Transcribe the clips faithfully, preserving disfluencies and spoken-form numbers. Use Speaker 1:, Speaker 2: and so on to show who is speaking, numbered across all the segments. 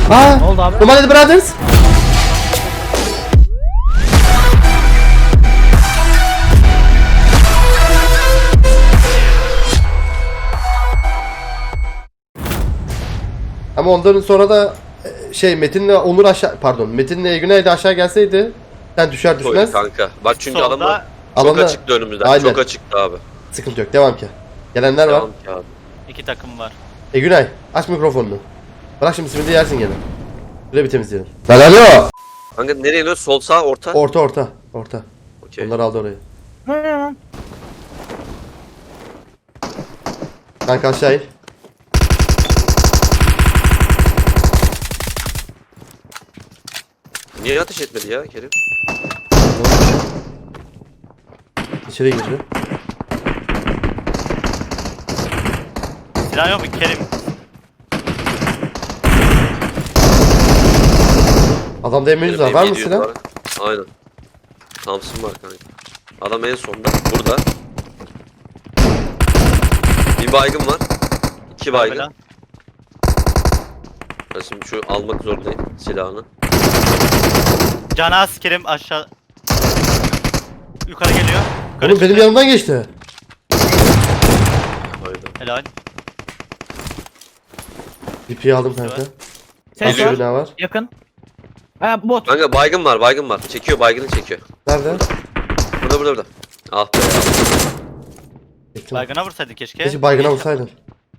Speaker 1: Aa,
Speaker 2: Ne oldu abi?
Speaker 1: Nomad Brothers. Ama ondan sonra da e, şey Metin'le Onur aşağı pardon Metin'le Güney de aşağı gelseydi sen düşer
Speaker 3: Koy
Speaker 1: düşmez
Speaker 3: kanka. Bak çünkü
Speaker 4: Solda
Speaker 3: adamlar çok
Speaker 1: alanda-
Speaker 3: açıktı önümüzden.
Speaker 1: Aynen.
Speaker 3: Çok açıktı abi.
Speaker 1: sıkıntı yok, devam ki. Gelenler var.
Speaker 3: Devam ki abi.
Speaker 4: iki takım var.
Speaker 1: E Günay aç mikrofonunu. Bırak şimdi simidi yersin gene. Şöyle bir temizleyelim. Lan alo.
Speaker 3: Kanka nereye iniyor? Sol sağ orta.
Speaker 1: Orta orta orta.
Speaker 3: Okey.
Speaker 1: Onlar aldı orayı.
Speaker 2: Hı.
Speaker 1: Kanka aşağı in.
Speaker 3: Niye ateş etmedi ya Kerim?
Speaker 1: İçeri girdi.
Speaker 4: Silah yok mu Kerim?
Speaker 1: Adamda M yüz var. Var mı
Speaker 3: Benim
Speaker 1: silah?
Speaker 3: var. Aynen. Thompson var kanka. Adam en sonda. Burada. Bir baygın var. İki baygın.
Speaker 4: Kamera.
Speaker 3: Ben şimdi şu almak zorundayım silahını.
Speaker 4: Canaz Kerim aşağı. Yukarı geliyor. Yukarı
Speaker 1: Oğlum benim
Speaker 4: çıktı.
Speaker 1: yanımdan geçti.
Speaker 3: Aynen.
Speaker 4: Helal.
Speaker 1: D P'yi aldım kanka.
Speaker 2: Ses
Speaker 1: Başka
Speaker 2: var.
Speaker 1: bina var.
Speaker 2: Yakın. Ha bot.
Speaker 3: Kanka baygın var baygın var. Çekiyor baygını çekiyor.
Speaker 1: Nerede?
Speaker 3: Burada burada burada. Ah be ya.
Speaker 1: Çektim.
Speaker 4: Baygına vursaydı keşke.
Speaker 1: Keşke baygına vursaydın.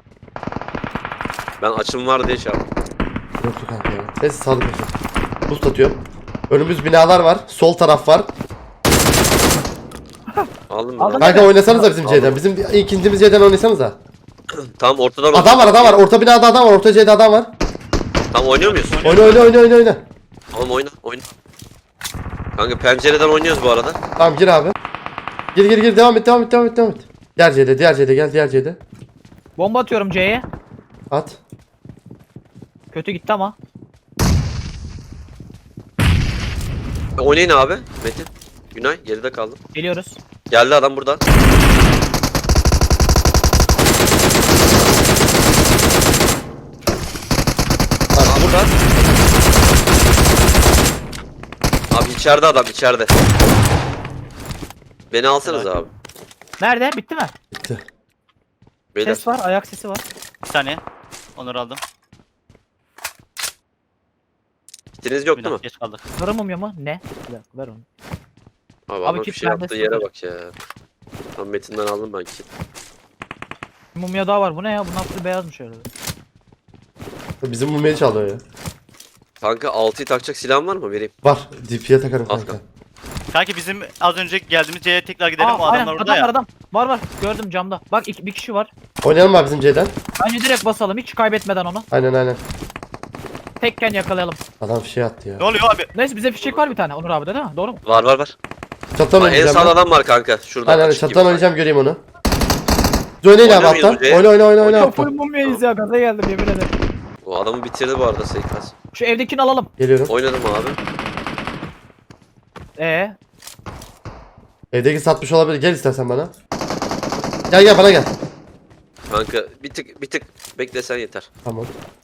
Speaker 3: Ben açım var diye şey yaptım.
Speaker 1: Yoktu kanka ya. Neyse sağlık olsun. Buz atıyorum. Önümüz binalar var. Sol taraf var.
Speaker 3: Aldın mı?
Speaker 2: Aldım.
Speaker 3: lan?
Speaker 1: Kanka oynasanıza bizim
Speaker 3: Aldım.
Speaker 1: C'den. Bizim ikincimiz C'den oynasanıza.
Speaker 3: Tam ortadan
Speaker 1: Adam var adam var. Orta binada adam var. Orta C'de adam var.
Speaker 3: Tam oynuyor muyuz?
Speaker 1: Oyna oyna oyna oyna oyna.
Speaker 3: Oğlum oyna oyna. Kanka pencereden oynuyoruz bu arada.
Speaker 1: Tamam gir abi. Gir gir gir devam et devam et devam et devam et. Diğer C'de diğer C'de gel diğer C'de.
Speaker 2: Bomba atıyorum C'ye.
Speaker 1: At.
Speaker 2: Kötü gitti ama.
Speaker 3: E, Oynayın abi Metin. Günay geride kaldım.
Speaker 2: Geliyoruz.
Speaker 3: Geldi adam burada. Aa, burada. Abi içeride adam içeride. Beni alsanız
Speaker 4: Helal.
Speaker 3: abi.
Speaker 2: Nerede? Bitti mi?
Speaker 1: Bitti.
Speaker 3: Beyler.
Speaker 2: Ses var. Ayak sesi var.
Speaker 4: Bir saniye. Onları aldım.
Speaker 3: Kitiniz
Speaker 4: Bir
Speaker 3: yoktu mu?
Speaker 4: dakika geç kaldık.
Speaker 2: Sarı mumya mı? Ne? Bir dakika ver onu.
Speaker 3: Abi,
Speaker 2: Abi
Speaker 3: adam
Speaker 2: kit
Speaker 3: bir şey
Speaker 2: bende
Speaker 3: yaptığı
Speaker 2: sıfır.
Speaker 3: yere bak ya. Tam Metin'den aldım ben kit.
Speaker 2: Bir mumya daha var. Bu ne ya? Bunun altı beyazmış öyle.
Speaker 1: Bizim mumyayı çaldı o ya.
Speaker 3: Kanka altıyı takacak silahın var mı? Vereyim.
Speaker 1: Var. D P'ye takarım
Speaker 3: Al
Speaker 1: kanka.
Speaker 4: Kanki bizim az önce geldiğimiz yere tekrar gidelim.
Speaker 2: Aa,
Speaker 4: O
Speaker 2: aynen.
Speaker 4: adamlar orada
Speaker 2: Adam
Speaker 4: ya.
Speaker 2: var adam. Var var. Gördüm camda. Bak iki, bir kişi var.
Speaker 1: Oynayalım abi bizim C'den.
Speaker 2: Bence direkt basalım. Hiç kaybetmeden onu.
Speaker 1: Aynen aynen.
Speaker 2: Tekken yakalayalım.
Speaker 1: Adam şey attı ya.
Speaker 4: Ne oluyor abi?
Speaker 2: Neyse bize fişek var bir tane. Onur abi de değil mi? Doğru mu?
Speaker 3: Var var var.
Speaker 1: Çattan
Speaker 3: Aa, en
Speaker 1: oynayacağım.
Speaker 3: sağda
Speaker 1: ben.
Speaker 3: adam var kanka. Şurada.
Speaker 1: Aynen aynen
Speaker 3: açık
Speaker 1: çattan
Speaker 3: gibi.
Speaker 1: oynayacağım, göreyim onu. Biz oynayın abi
Speaker 3: Oynuyor muyuz
Speaker 1: alttan.
Speaker 3: hocaya?
Speaker 1: Oyna oyna oyna oyna
Speaker 2: Ya
Speaker 1: alttan.
Speaker 2: full mumyayız ya. Gaza geldim yemin ederim.
Speaker 3: O adamı bitirdi bu arada Seykaz.
Speaker 2: Şu evdekini alalım.
Speaker 1: Geliyorum.
Speaker 3: Oynadım abi.
Speaker 2: Ee,
Speaker 1: Evdeki satmış olabilir. Gel istersen bana. Gel gel bana gel.
Speaker 3: Kanka bir tık bir tık beklesen yeter.
Speaker 1: Tamam.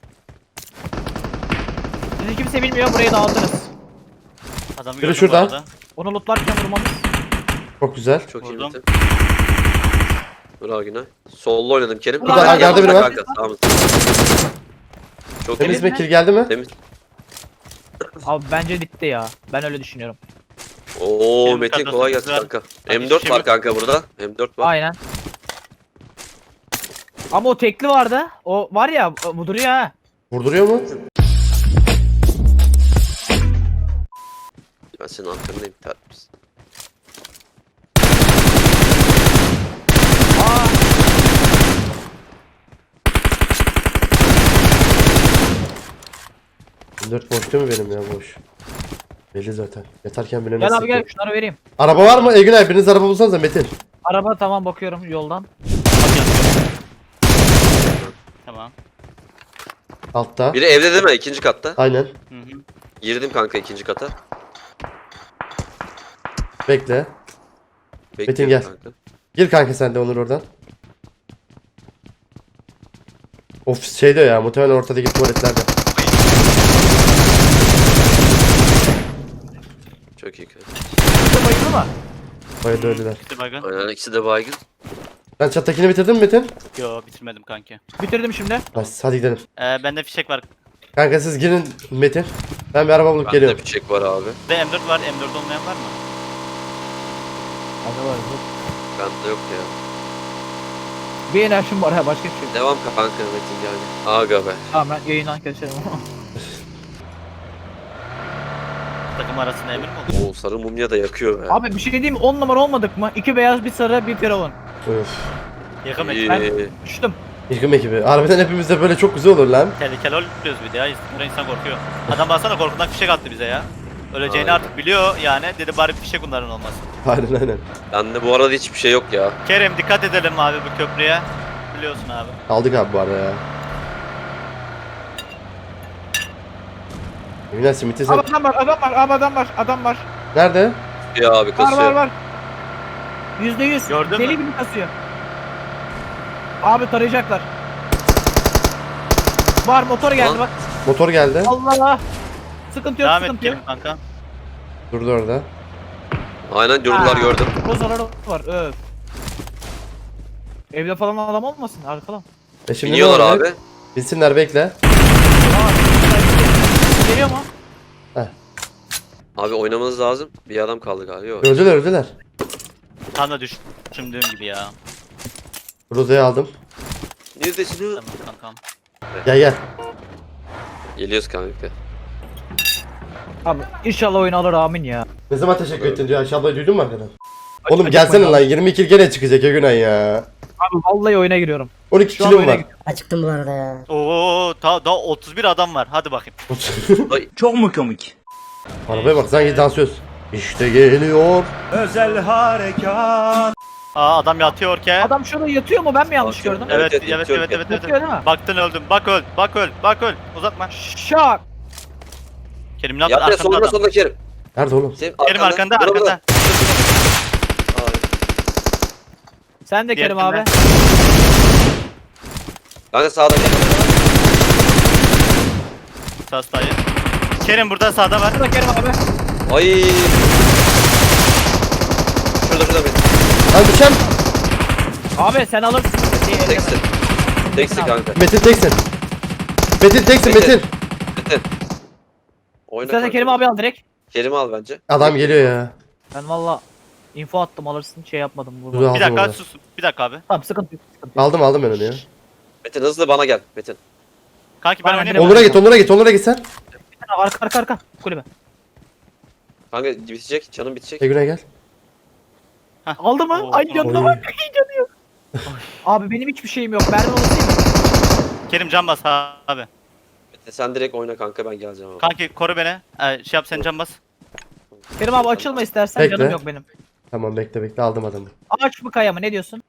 Speaker 2: bizi kimse bilmiyor. Burayı dağıtırız.
Speaker 4: Adamı
Speaker 1: Biri
Speaker 4: gördüm
Speaker 1: şurada.
Speaker 4: bu arada.
Speaker 2: Onu lootlarken vurmamız.
Speaker 1: Çok güzel.
Speaker 3: Çok iyi
Speaker 4: Vurdum.
Speaker 3: bitti. Bravo Günay. Sollu oynadım Kerim.
Speaker 2: Burada
Speaker 3: Kanka,
Speaker 1: hangarda biri var.
Speaker 3: Kanka sağımız. Çok
Speaker 1: Temiz
Speaker 3: temiz.
Speaker 1: mi? Kill geldi mi?
Speaker 3: Temiz.
Speaker 2: Abi bence bitti ya. Ben öyle düşünüyorum.
Speaker 3: Oo
Speaker 4: Kerim
Speaker 3: Metin
Speaker 4: kadrosu
Speaker 3: kolay gelsin
Speaker 4: güzel.
Speaker 3: kanka.
Speaker 4: Hadi
Speaker 3: M dört
Speaker 4: şimdi-
Speaker 3: var kanka burada. M dört var.
Speaker 2: Aynen. Ama o tekli vardı. O var ya, bu duruyor ha.
Speaker 1: Vurduruyor mu?
Speaker 3: Ben senin arkandayım tertemiz.
Speaker 2: Aa,
Speaker 1: M dört boş değil mi benim ya, boş. Belli zaten. Yatarken bile
Speaker 2: gel
Speaker 1: nasıl
Speaker 2: abi gel
Speaker 1: yapıyor?
Speaker 2: şunları vereyim.
Speaker 1: Araba var mı? Egün abi biriniz araba bulsanıza Metin.
Speaker 2: Araba tamam, bakıyorum yoldan.
Speaker 4: Tamam.
Speaker 1: Altta.
Speaker 3: Biri evde değil mi? İkinci katta.
Speaker 1: Aynen.
Speaker 4: Hı hı.
Speaker 3: Girdim kanka ikinci kata.
Speaker 1: Bekle.
Speaker 3: Bekliyorum
Speaker 1: gel.
Speaker 3: Kanka.
Speaker 1: Gir kanka sen de Onur oradan. Of şey diyor ya, muhtemelen ortadaki tuvaletlerde.
Speaker 3: Çok iyi kanka.
Speaker 2: İşte bayıldı mı?
Speaker 1: Bayıldı öldüler.
Speaker 4: Bitti baygın.
Speaker 3: Aynen ikisi de baygın.
Speaker 1: Sen çattakini bitirdin mi Metin?
Speaker 4: Yo bitirmedim kanki.
Speaker 2: Bitirdim şimdi.
Speaker 1: Hadi, hadi gidelim.
Speaker 4: Ee, bende fişek var.
Speaker 1: Kanka siz girin Metin. Ben bir araba bulup
Speaker 3: Bende
Speaker 1: geliyorum.
Speaker 3: bir çek var abi.
Speaker 4: Ve M dört var. M dört olmayan var mı?
Speaker 2: Hadi var. dur.
Speaker 3: Bende yok ya.
Speaker 2: Bir enerjim var ha başka bir şey. yok.
Speaker 3: Devam kanka Metin yani. Aga be.
Speaker 2: Tamam ben yayından keserim.
Speaker 4: Takım arasında emir mi oldu?
Speaker 3: Oo sarı mumya da yakıyor be.
Speaker 2: Abi bir şey diyeyim mi? on numara olmadık mı? İki beyaz bir sarı bir firavun.
Speaker 1: Öf.
Speaker 4: Yakın
Speaker 3: İyi.
Speaker 4: ekip.
Speaker 2: Düştüm.
Speaker 1: Yıkım ekibi. Harbiden hepimiz de böyle çok güzel olur lan.
Speaker 4: Tehlikeli oluyoruz bir de ya. Sonra insan korkuyor. Adam baksana korkudan fişek attı bize ya. Öleceğini
Speaker 3: Aynen.
Speaker 4: artık biliyor yani. Dedi bari fişek bunların olmasın.
Speaker 1: Aynen aynen.
Speaker 3: Bende bu arada hiçbir şey yok ya.
Speaker 4: Kerem dikkat edelim abi bu köprüye. Biliyorsun abi.
Speaker 1: Aldık abi bu arada ya. Emin Simit'i sen...
Speaker 2: Abi adam var adam var abi adam var adam var.
Speaker 1: Nerede?
Speaker 3: Ya abi
Speaker 2: Var
Speaker 3: kasıyor.
Speaker 2: var var. Yüzde yüz.
Speaker 4: Gördün
Speaker 2: Deli
Speaker 4: mü?
Speaker 2: gibi kasıyor. Abi tarayacaklar. Var motor geldi
Speaker 3: Lan.
Speaker 2: bak.
Speaker 1: Motor geldi.
Speaker 2: Allah. Sıkıntı yok
Speaker 4: Devam et
Speaker 2: sıkıntı yok.
Speaker 4: Kerem kanka.
Speaker 1: Durdu orada.
Speaker 3: Aynen durdular
Speaker 2: Aa,
Speaker 3: gördüm.
Speaker 2: O zararı var öf. Evde falan adam olmasın arkadan.
Speaker 1: E şimdi ne
Speaker 3: Biniyorlar
Speaker 1: olacak?
Speaker 3: abi.
Speaker 1: Binsinler bekle.
Speaker 2: Geliyor mu?
Speaker 3: Abi oynamanız lazım. Bir adam kaldı galiba. Yok.
Speaker 1: Öldüler öldüler.
Speaker 4: Tam da düş- düşündüğüm gibi ya.
Speaker 1: Roza'yı aldım.
Speaker 3: Neredesin?
Speaker 4: Tamam kankam.
Speaker 1: Gel gel.
Speaker 3: Geliyoruz kanka.
Speaker 2: Abi inşallah oyun alır amin ya.
Speaker 1: Ne zaman teşekkür ettin diyor. Aşağıda duydun mu arkadan?
Speaker 2: Acı-
Speaker 1: Oğlum
Speaker 2: acıkmayın
Speaker 1: gelsene
Speaker 2: abi.
Speaker 1: lan yirmi kill gene çıkacak ya Günay ya.
Speaker 2: Abi vallahi oyuna giriyorum.
Speaker 1: on iki
Speaker 2: Şu an
Speaker 1: killim
Speaker 2: oyuna
Speaker 1: var.
Speaker 2: giriyorum.
Speaker 5: Acıktım bu arada ya.
Speaker 4: Oo daha, daha otuz bir adam var. Hadi bakayım.
Speaker 6: Çok mu komik?
Speaker 1: Arabaya bak sanki dansöz. İşte geliyor.
Speaker 6: Özel harekat.
Speaker 4: Aa adam yatıyor ki.
Speaker 2: Adam şurada yatıyor mu ben mi yanlış
Speaker 3: Yatıyor.
Speaker 2: gördüm?
Speaker 4: Evet
Speaker 3: Evet,
Speaker 4: evet evet
Speaker 3: yatıyor,
Speaker 4: evet evet.
Speaker 2: Yatıyor değil mi?
Speaker 4: Baktın öldüm. Bak öl. Bak öl. Bak öl. Uzatma.
Speaker 2: Şak.
Speaker 4: Kerim ne yaptın?
Speaker 3: Yap ya
Speaker 4: Arkamda
Speaker 3: solunda
Speaker 4: adam.
Speaker 3: solunda Kerim.
Speaker 1: Nerede oğlum?
Speaker 3: Senin
Speaker 4: Kerim arkanda
Speaker 3: Burada, burada.
Speaker 4: arkanda.
Speaker 3: Ay.
Speaker 2: Sen de Kerim
Speaker 4: Diğer
Speaker 2: abi.
Speaker 3: Kanka sağda gel.
Speaker 4: Sastayı. Kerim burada sağda var.
Speaker 2: Burada Kerim abi.
Speaker 3: Ay. Şurada şurada benim.
Speaker 1: Lan düşen.
Speaker 2: Abi sen alırsın. Diye elleme.
Speaker 3: Teksin. Teksin kanka.
Speaker 1: Metin teksin. Metin teksin
Speaker 3: Metin.
Speaker 1: Metin.
Speaker 3: Metin. Oyna
Speaker 2: Sen de
Speaker 3: kanka.
Speaker 2: Kerim abi al direkt.
Speaker 3: Kerim'i al bence.
Speaker 1: Adam geliyor ya.
Speaker 2: Ben valla info attım alırsın şey yapmadım.
Speaker 1: Dur,
Speaker 2: Vurma.
Speaker 1: al.
Speaker 4: Bir dakika
Speaker 1: orada.
Speaker 4: sus. Bir dakika abi.
Speaker 2: Tamam sıkıntı yok. Sıkıntı yok.
Speaker 1: Aldım aldım ben onu ya.
Speaker 3: Metin hızlı bana gel. Metin.
Speaker 4: Kanki ben
Speaker 2: Aynen,
Speaker 4: oynayayım.
Speaker 1: Onur'a git Onur'a git Onur'a git sen.
Speaker 2: Arka arka arka. Kulübe.
Speaker 3: Kanka bitecek. Canım bitecek.
Speaker 1: E Günay gel.
Speaker 2: Aldı mı?
Speaker 4: Oo,
Speaker 2: Ay
Speaker 4: tamam.
Speaker 2: canına
Speaker 1: Oy.
Speaker 2: bak. Ay canı yok. Abi benim hiçbir şeyim yok. Mermi olsun mu?
Speaker 4: Kerim can bas abi.
Speaker 3: Metin sen direkt oyna kanka ben geleceğim abi.
Speaker 4: Kanki koru beni. Ee, şey yap sen can bas.
Speaker 2: Kerim abi açılma istersen
Speaker 1: Bekle.
Speaker 2: canım yok benim.
Speaker 1: Tamam bekle bekle aldım adamı.
Speaker 2: Ağaç mı kaya mı ne diyorsun?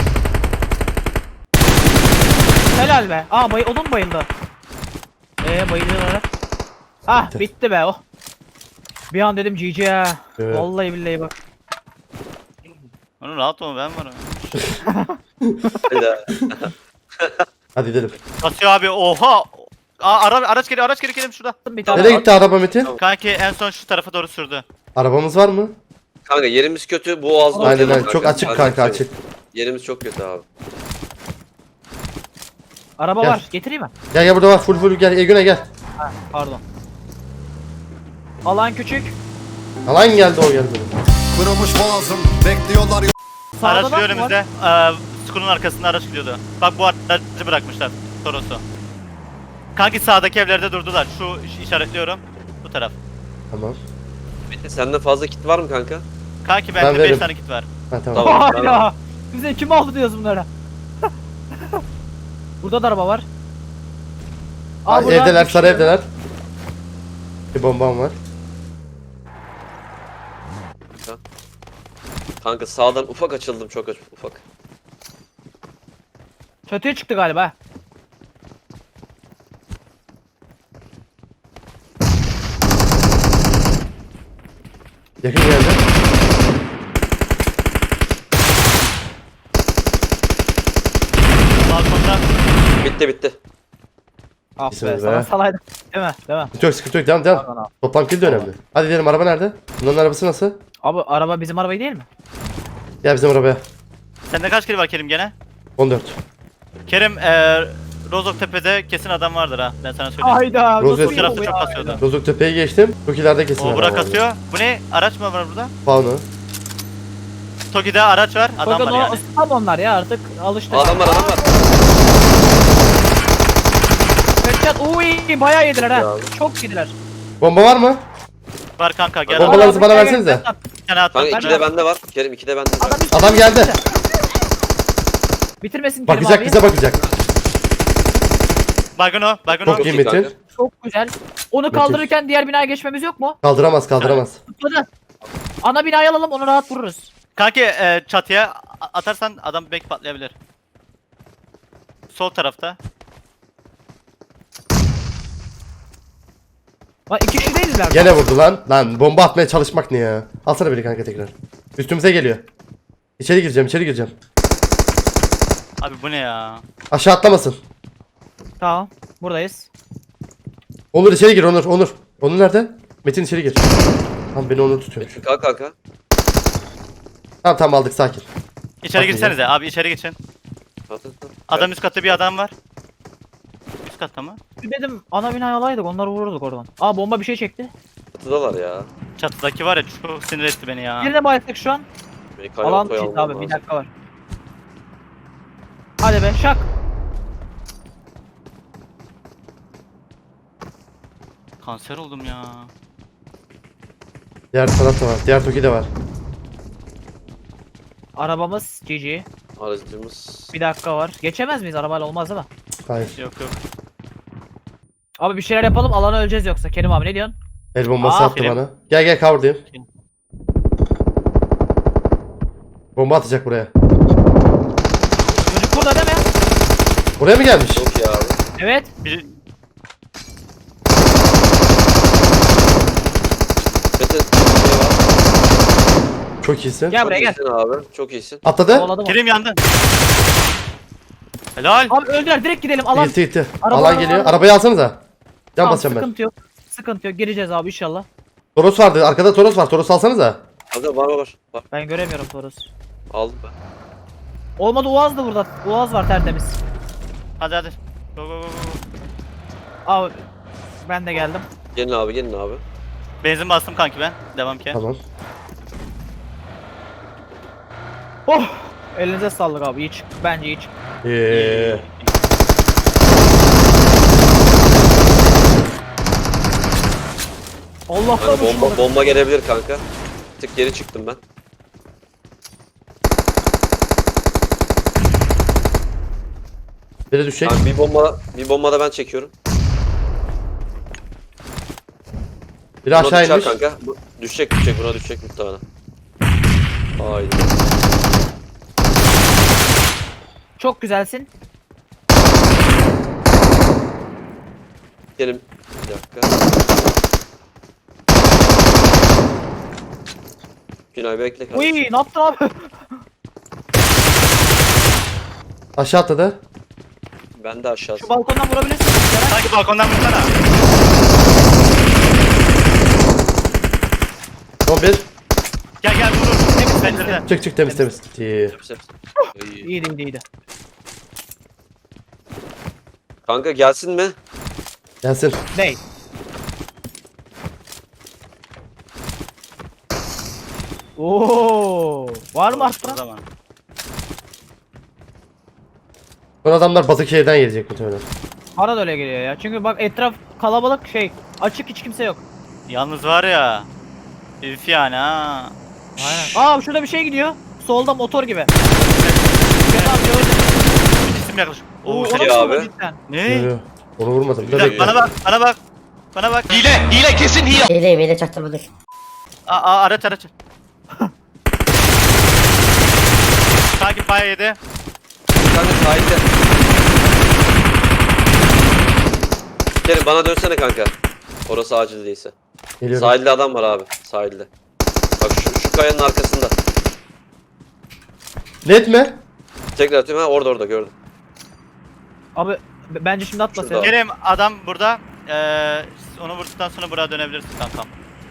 Speaker 2: Helal be. Aa bay odun bayıldı. Eee bayılıyorlar. Ah
Speaker 1: Bitti.
Speaker 2: bitti be oh. Bir an dedim G G ha.
Speaker 1: Evet.
Speaker 2: Vallahi billahi bak.
Speaker 4: Onu rahat ol ben varım.
Speaker 3: Hayda.
Speaker 1: Hadi gidelim.
Speaker 4: Basıyor abi oha. Aa, ara, araç geliyor araç geliyor Kerim şurada.
Speaker 2: Bir tane
Speaker 1: Nereye gitti araba Metin?
Speaker 4: Kanki en son şu tarafa doğru sürdü.
Speaker 1: Arabamız var mı?
Speaker 3: Kanka yerimiz kötü. Bu ağzına
Speaker 1: Aynen
Speaker 3: oynayalım
Speaker 1: aynen çok
Speaker 3: kanka.
Speaker 1: açık
Speaker 3: Hadi
Speaker 1: kanka
Speaker 3: söyle.
Speaker 1: açık.
Speaker 3: Yerimiz çok kötü abi.
Speaker 2: araba
Speaker 1: Gel.
Speaker 2: var. Getireyim mi?
Speaker 1: Gel gel burada var full full gel. E Günay gel.
Speaker 2: Pardon. Alan küçük.
Speaker 1: Alan geldi o geldi.
Speaker 7: Kırılmış boğazım bekliyorlar
Speaker 2: Sağda
Speaker 4: Araç
Speaker 2: da
Speaker 4: gidiyor
Speaker 2: var.
Speaker 4: önümüzde. Ee, Skunun arkasında araç gidiyordu. Bak bu aracı bırakmışlar. Toros'u. Kanki sağdaki evlerde durdular. Şu iş- işaretliyorum. Bu taraf.
Speaker 1: Tamam.
Speaker 3: Metin sende fazla kit var mı kanka?
Speaker 4: Kanki
Speaker 1: Ben
Speaker 4: bende
Speaker 1: veririm.
Speaker 4: beş tane kit var.
Speaker 1: Ha tamam.
Speaker 3: Tamam.
Speaker 2: Hala. Bize kim aldı diyoruz bunlara. Burada da araba var. Aa,
Speaker 1: Ha,
Speaker 2: burada
Speaker 1: evdeler
Speaker 2: bir
Speaker 1: sarı
Speaker 2: şey-
Speaker 1: evdeler. Bir bombam var.
Speaker 3: Kanka sağdan ufak açıldım çok aç- ufak.
Speaker 2: Çatıya çıktı galiba.
Speaker 1: Yakın geldi.
Speaker 4: Balkonda.
Speaker 3: Bitti bitti.
Speaker 2: Ah
Speaker 1: İsminiz
Speaker 2: be, sana
Speaker 1: be.
Speaker 2: salaydım. Değil mi? Değil mi?
Speaker 1: Sıkıntı yok sıkıntı yok devam devam.
Speaker 2: Pardon abi.
Speaker 1: Toplam kill de önemli. Hadi gidelim araba nerede? Bunların arabası nasıl?
Speaker 2: Abi araba bizim arabayı değil mi?
Speaker 1: Gel bizim arabaya.
Speaker 4: Sende kaç kill var Kerim gene?
Speaker 1: on dört.
Speaker 4: Kerim eee Rozok Tepe'de kesin adam vardır ha. Ben sana söyleyeyim.
Speaker 2: Hayda.
Speaker 1: Rozet-
Speaker 2: nasıl
Speaker 4: Bu tarafta
Speaker 2: bu
Speaker 4: çok
Speaker 2: ya?
Speaker 4: kasıyordu.
Speaker 1: Rozok Tepe'yi geçtim. Çok ileride kesin.
Speaker 4: O
Speaker 1: adam
Speaker 4: Burak
Speaker 1: vardı.
Speaker 4: kasıyor. Bu ne? Araç mı var burada?
Speaker 1: Faunu.
Speaker 4: Toki'de araç var. Adam
Speaker 2: Bakın
Speaker 4: var
Speaker 2: o
Speaker 4: yani.
Speaker 2: tam onlar ya artık alıştık.
Speaker 3: Adam var adam var.
Speaker 2: Headshot. Uy bayağı yediler ha.
Speaker 3: Abi.
Speaker 2: Çok yediler.
Speaker 1: Bomba var mı?
Speaker 4: Var kanka gel.
Speaker 1: Bombalar-
Speaker 4: Adam
Speaker 1: Bombalarınızı bana
Speaker 2: Gel,
Speaker 1: versenize.
Speaker 2: gel, gel.
Speaker 4: bir tane attım.
Speaker 3: Kanka
Speaker 2: Ben
Speaker 3: iki de
Speaker 2: de-
Speaker 3: bende var. Kerim iki de bende var.
Speaker 2: Adam, üstüne,
Speaker 1: Adam geldi.
Speaker 2: üstüne. Bitirmesin Kerim
Speaker 1: Bakacak
Speaker 2: abi.
Speaker 1: bize bakacak.
Speaker 4: Baygın o. Baygın o.
Speaker 1: Çok
Speaker 3: Çok
Speaker 1: iyi
Speaker 3: iyi
Speaker 1: Metin.
Speaker 3: kanka.
Speaker 2: Çok güzel. Onu kaldırırken diğer binaya geçmemiz yok mu?
Speaker 1: Kaldıramaz kaldıramaz.
Speaker 2: Tutmadı. Ana binayı alalım onu rahat vururuz.
Speaker 4: Kanki e, çatıya a- atarsan adam belki patlayabilir. Sol tarafta.
Speaker 2: Lan iki kişi değiliz galiba.
Speaker 1: Gene vurdu lan. Lan bomba atmaya çalışmak ne ya? Alsana beni kanka tekrar. Üstümüze geliyor. İçeri gireceğim içeri gireceğim.
Speaker 4: Abi bu ne ya?
Speaker 1: Aşağı atlamasın.
Speaker 2: Tamam. Buradayız.
Speaker 1: Onur içeri gir Onur Onur. Onur nerede? Metin içeri gir. Tamam beni Onur tutuyor.
Speaker 3: Kalk kanka.
Speaker 1: Tamam tamam aldık sakin.
Speaker 4: İçeri
Speaker 1: Bak
Speaker 4: girsenize abi içeri geçin.
Speaker 3: Kalk, kalk, kalk.
Speaker 4: Adam üst katta bir adam var. Üst katta mı?
Speaker 2: Bir dedim ana binayı alaydık onları vururduk oradan. Aa bomba bir şey çekti.
Speaker 3: Çatıdalar ya.
Speaker 4: Çatıdaki var ya çok sinir etti beni ya.
Speaker 2: Birine bayıldık şu an.
Speaker 3: Beni kaynağı
Speaker 2: Alan
Speaker 3: koyalım
Speaker 2: çift abi
Speaker 3: lazım.
Speaker 2: bir dakika var. Hadi be şak.
Speaker 4: Kanser oldum ya.
Speaker 1: Diğer taraf da var. Diğer Toki de var.
Speaker 2: Arabamız G G.
Speaker 3: Aracımız.
Speaker 2: Bir dakika var. Geçemez miyiz? Arabayla olmaz değil mi?
Speaker 1: Hayır.
Speaker 4: Yok yok.
Speaker 2: Abi bir şeyler yapalım alana öleceğiz yoksa. Kerim abi ne diyorsun?
Speaker 1: El bombası
Speaker 2: Aa,
Speaker 1: attı
Speaker 4: film.
Speaker 1: bana. Gel gel cover'dayım. Bomba atacak buraya.
Speaker 2: Çocuk burada değil mi?
Speaker 1: Buraya mı gelmiş?
Speaker 3: Çok iyi abi.
Speaker 2: Evet.
Speaker 4: Bir,
Speaker 3: Metin şey var.
Speaker 1: Çok iyisin.
Speaker 2: Gel
Speaker 3: Çok
Speaker 2: buraya gel.
Speaker 3: iyisin abi. Çok iyisin.
Speaker 1: Atladı.
Speaker 2: Kovaladım onu.
Speaker 4: Kerim yandı. Helal.
Speaker 2: Abi öldüler direkt gidelim alan.
Speaker 1: Gitti gitti.
Speaker 2: Araba,
Speaker 1: Alan
Speaker 2: araba,
Speaker 1: geliyor.
Speaker 2: araba.
Speaker 1: Arabayı alsanıza. Can
Speaker 2: Tamam,
Speaker 1: basacağım ben.
Speaker 2: sıkıntı yok. Sıkıntı yok. Gireceğiz abi inşallah.
Speaker 1: Toros vardı. Arkada Toros var. Toros alsanıza.
Speaker 3: Kanka var var var. Var.
Speaker 2: Ben göremiyorum Torus.
Speaker 3: Aldım ben.
Speaker 2: Olmadı Uaz da burada. Uaz var tertemiz.
Speaker 4: Hadi hadi. Go go go go.
Speaker 2: Abi ben de geldim.
Speaker 3: Gelin abi gelin abi.
Speaker 4: Benzin bastım kanki ben. Devam ki.
Speaker 1: Tamam.
Speaker 2: Oh! Elinize sağlık abi. İyi çık. Bence iyi çık.
Speaker 1: Eee.
Speaker 2: Allah'tan
Speaker 3: Hani bomba,
Speaker 2: uçmadı.
Speaker 3: bomba gelebilir kanka. Bir tık geri çıktım ben.
Speaker 1: Biri düşecek.
Speaker 3: Kanka bir bomba bir bomba da ben çekiyorum.
Speaker 1: Biri
Speaker 3: Buna
Speaker 1: aşağı
Speaker 3: düşer
Speaker 1: inmiş.
Speaker 3: kanka. Bu, düşecek düşecek buna düşecek muhtemelen. Haydi.
Speaker 2: Çok güzelsin.
Speaker 3: Gelin. Bir dakika. Günay bekle
Speaker 2: Uy
Speaker 3: kardeşim.
Speaker 2: ne yaptın abi?
Speaker 1: Aşağı atladı.
Speaker 3: Ben de aşağısı.
Speaker 2: Şu balkondan vurabilirsin. Ceren.
Speaker 4: Kanki balkondan vursana.
Speaker 1: Son bir.
Speaker 4: Gel gel vur vur. Temiz pencerede.
Speaker 1: Çık çık temiz temiz. İyi.
Speaker 3: Hepsi, hepsi. İyi.
Speaker 2: İyiydi iyiydi iyiydi.
Speaker 3: Kanka gelsin mi?
Speaker 2: Ney?
Speaker 1: Gelsin.
Speaker 2: Oo, var mı
Speaker 4: O
Speaker 2: arttıran?
Speaker 4: zaman.
Speaker 1: Son adamlar Batıkehir'den gelecek muhtemelen.
Speaker 2: Bana da öyle geliyor ya. Çünkü bak etraf kalabalık şey. Açık hiç kimse yok.
Speaker 4: Yalnız var ya. Üf yani ha.
Speaker 2: Aynen. Aa şurada bir şey gidiyor. Solda motor gibi. Kenan abi gördüm.
Speaker 4: Bir cisim yaklaş.
Speaker 2: Oo,
Speaker 4: Oo
Speaker 2: ona
Speaker 4: şey.
Speaker 3: şey
Speaker 2: mı
Speaker 3: abi.
Speaker 2: vurdun cidden?
Speaker 4: Ne?
Speaker 1: Yo, yo. Onu vurmadım.
Speaker 4: Bir dakika bana bak bana bak. Bana bak.
Speaker 5: Hileyim hile çaktırmadık.
Speaker 4: Aa, aa araç araç. Kanki paya yedi.
Speaker 3: Kanka sahilde. Gelin bana dönsene kanka. Orası acil değilse.
Speaker 1: Geliyorum.
Speaker 3: Sahilde adam var abi. Sahilde. Bak şu, şu kayanın arkasında.
Speaker 1: Net mi?
Speaker 3: Tekrar atıyorum ha orada orada gördüm.
Speaker 2: Abi B- Bence şimdi atma
Speaker 3: Şurada.
Speaker 2: Selim.
Speaker 4: Kerim adam burada. Ee, onu vurduktan sonra buraya dönebilirsin kankam.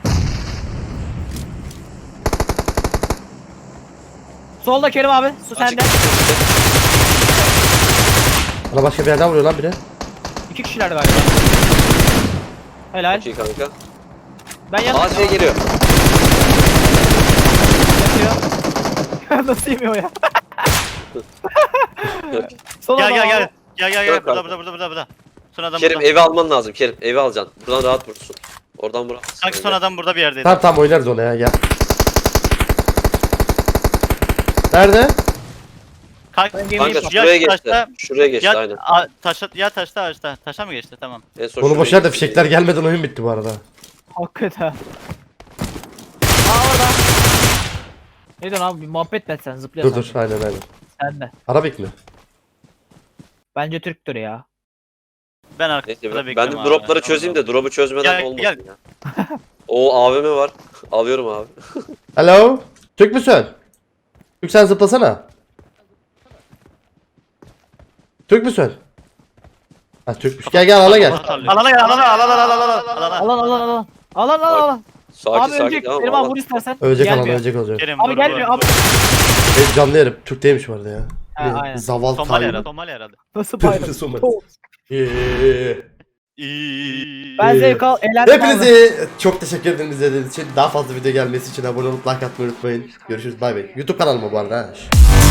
Speaker 2: Solda Kerim abi. Su
Speaker 3: Açık.
Speaker 2: sende.
Speaker 1: Bana başka bir yerden vuruyor lan biri.
Speaker 2: İki kişiler galiba. Helal.
Speaker 3: Çok iyi kanka.
Speaker 2: Ben yanım.
Speaker 3: Aa şey geliyor.
Speaker 2: Yapıyor. Nasıl yemiyor ya? Sol
Speaker 4: Gel
Speaker 2: adam
Speaker 4: gel
Speaker 2: abi.
Speaker 4: gel. Gel gel
Speaker 3: Yok
Speaker 4: gel. Burada
Speaker 3: kanka.
Speaker 4: burada burada burada burada. Son adam
Speaker 3: Kerim
Speaker 4: burada.
Speaker 3: evi alman lazım Kerim. Evi alacaksın. Buradan rahat vurursun. Oradan vuramazsın.
Speaker 4: Kanki son adam burada bir yerdeydi.
Speaker 1: Tamam tamam oynarız ona ya gel. Nerede?
Speaker 4: Kanka,
Speaker 2: Ben gemiyi
Speaker 3: Kanka
Speaker 2: Ya
Speaker 3: şuraya geçti.
Speaker 4: taşta-
Speaker 3: Şuraya geçti
Speaker 4: ya,
Speaker 3: aynen.
Speaker 4: a, taşa, ya taşta ağaçta. Taşa mı geçti? Tamam.
Speaker 3: En son
Speaker 1: Onu
Speaker 3: şuraya
Speaker 1: boşver da
Speaker 3: geçti.
Speaker 1: fişekler gelmeden oyun bitti bu arada.
Speaker 2: Hakikaten. Aa orada. Ne diyorsun abi? Bir muhabbet et sen
Speaker 1: Dur
Speaker 2: zıplıyorsan.
Speaker 1: dur aynen aynen.
Speaker 2: Sen de.
Speaker 1: Arabik mi?
Speaker 2: Bence Türktür ya.
Speaker 4: Ben
Speaker 3: Neyse
Speaker 4: arkada
Speaker 3: ben, ben
Speaker 4: bekliyorum
Speaker 3: de
Speaker 4: abi.
Speaker 3: dropları çözeyim de drop'u çözmeden
Speaker 4: Gel,
Speaker 3: olmasın
Speaker 4: gel.
Speaker 3: ya. O A V M var. Alıyorum abi.
Speaker 1: Hello? Türk müsün? Türk sen zıplasana. Türk müsün? Ha Türkmüş. Gel gel ala gel.
Speaker 4: Alana gel alana alana alana alana alana.
Speaker 2: Alan alan alan. Alan alan alan.
Speaker 3: Sakin
Speaker 2: Abi
Speaker 3: sakin
Speaker 2: ölecek.
Speaker 3: tamam
Speaker 2: Kerim abi
Speaker 3: Allah.
Speaker 2: vur istersen.
Speaker 1: Ölecek alan
Speaker 2: Gelmiyor.
Speaker 1: ölecek olacak.
Speaker 4: Kerim,
Speaker 2: Abi
Speaker 4: vur,
Speaker 2: gelmiyor
Speaker 4: vur,
Speaker 2: abi.
Speaker 4: vur.
Speaker 1: Ben canlı yerim. Türk değilmiş bu arada ya.
Speaker 2: Ha,
Speaker 1: Bir de
Speaker 2: aynen.
Speaker 1: Zaval
Speaker 4: Somali
Speaker 1: Tayyip.
Speaker 4: herhalde. Somali herhalde.
Speaker 2: Nasıl paylaştın?
Speaker 1: Somali.
Speaker 2: Çok.
Speaker 1: Yeah.
Speaker 4: İyi.
Speaker 2: Ben zevk al. Eğlendim abi.
Speaker 1: Hepinize çok teşekkür ederim izlediğiniz için. Daha fazla video gelmesi için abone olup like atmayı unutmayın. Görüşürüz bay bay. YouTube kanalıma bu arada. ha.